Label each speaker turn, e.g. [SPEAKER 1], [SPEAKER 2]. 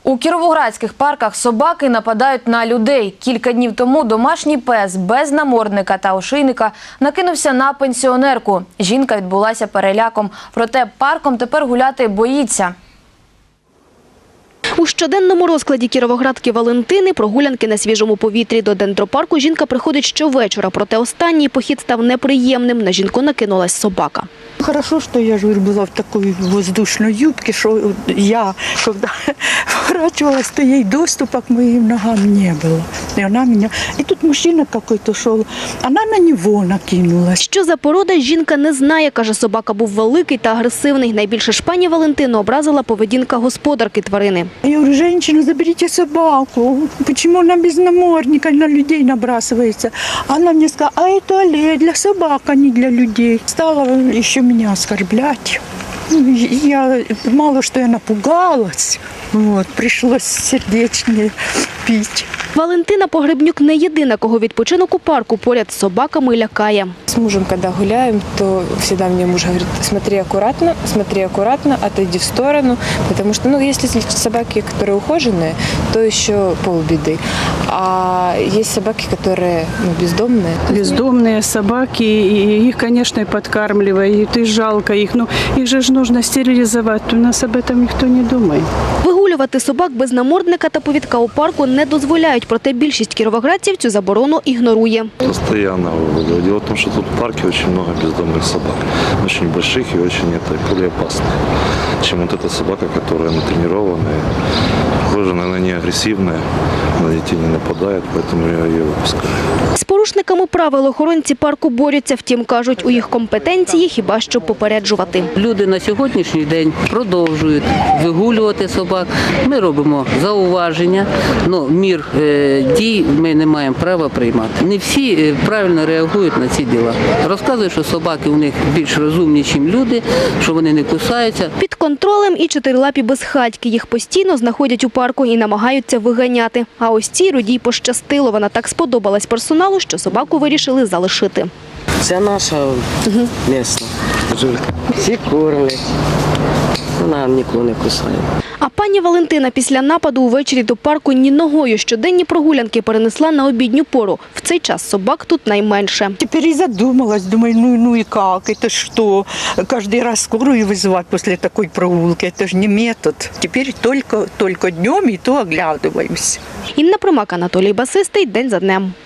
[SPEAKER 1] У кіровоградських парках собаки нападають на людей. Кілька днів тому домашній пес без намордника та ошейника накинувся на пенсіонерку. Жінка відбулася переляком, проте парком тепер гуляти боїться.
[SPEAKER 2] У щоденному розкладі кіровоградки Валентини прогулянки на свіжому повітрі. До дендропарку жінка приходить щовечора, проте останній похід став неприємним. На жінку накинулась собака.
[SPEAKER 3] Хорошо, что я же была в такой воздушной юбке, что я, когда поворачивалась, то ей доступа к моим ногам не было. И она меня... И тут мужчина какой-то шел, она на него накинулась.
[SPEAKER 2] Що за порода, жінка не знає. Каже, собака був великий та агресивний. Найбільше ж пані Валентину образила поведінка господарки тварини.
[SPEAKER 3] Я говорю, женщина, заберите собаку. Почему она без намордника на людей набрасывается? Она мне сказала, а это аллея для собак, а не для людей. Стала еще меня оскорблять. Мало что я напугалась, пришлось сердечнее пить.
[SPEAKER 2] Валентина Погребнюк не єдина, кого відпочинок у парку поряд з собаками лякає.
[SPEAKER 4] С мужем, когда гуляем, то всегда мне муж говорит, смотри аккуратно, отойди в сторону, потому что, если собаки, которые ухоженные, то еще полбеды, а есть собаки, которые бездомные.
[SPEAKER 5] Бездомные собаки, и их, конечно, и подкармливают, и жалко их, но их же нужно стерилизовать, у нас об этом никто не думает.
[SPEAKER 2] Вигулювати собак без намордника та повідка у парку не дозволяють, проте більшість кіровоградців цю заборону ігнорує.
[SPEAKER 6] Постоянно выгуливаю. Дело в том, что тут в парке очень много бездомных собак. Очень больших и очень более опасных, чем вот эта собака, которая натренированная, похоже, она не агрессивная, на детей не нападает, поэтому я ее выпускаю.
[SPEAKER 2] З порушниками правил охоронці парку борються, втім, кажуть, у їх компетенції хіба що попереджувати.
[SPEAKER 7] Люди на сьогоднішній день продовжують вигулювати собак. Ми робимо зауваження, але мір дій ми не маємо права приймати. Не всі правильно реагують на ці діла. Розказують, що собаки у них більш розумні, ніж люди, що вони не кусаються.
[SPEAKER 2] Під контролем і чотирилапі безхатьки. Їх постійно знаходять у парку і намагаються виганяти. А ось цій Рудій пощастило. Вона так сподобалась персоналу, що собаку вирішили залишити.
[SPEAKER 8] Це наша місна. Всі кормлять. Вона нікого не кусає.
[SPEAKER 2] А пані Валентина після нападу увечері до парку ні ногою. Щоденні прогулянки перенесла на обідню пору. В цей час собак тут найменше.
[SPEAKER 3] Теперь и задумалась, думаю, ну и как, это что? Каждый раз скорую вызывать после такой прогулки, это же не метод. Теперь только днем и то оглядываемся.
[SPEAKER 2] Інна Примак, Анатолій Басистий. День за днем.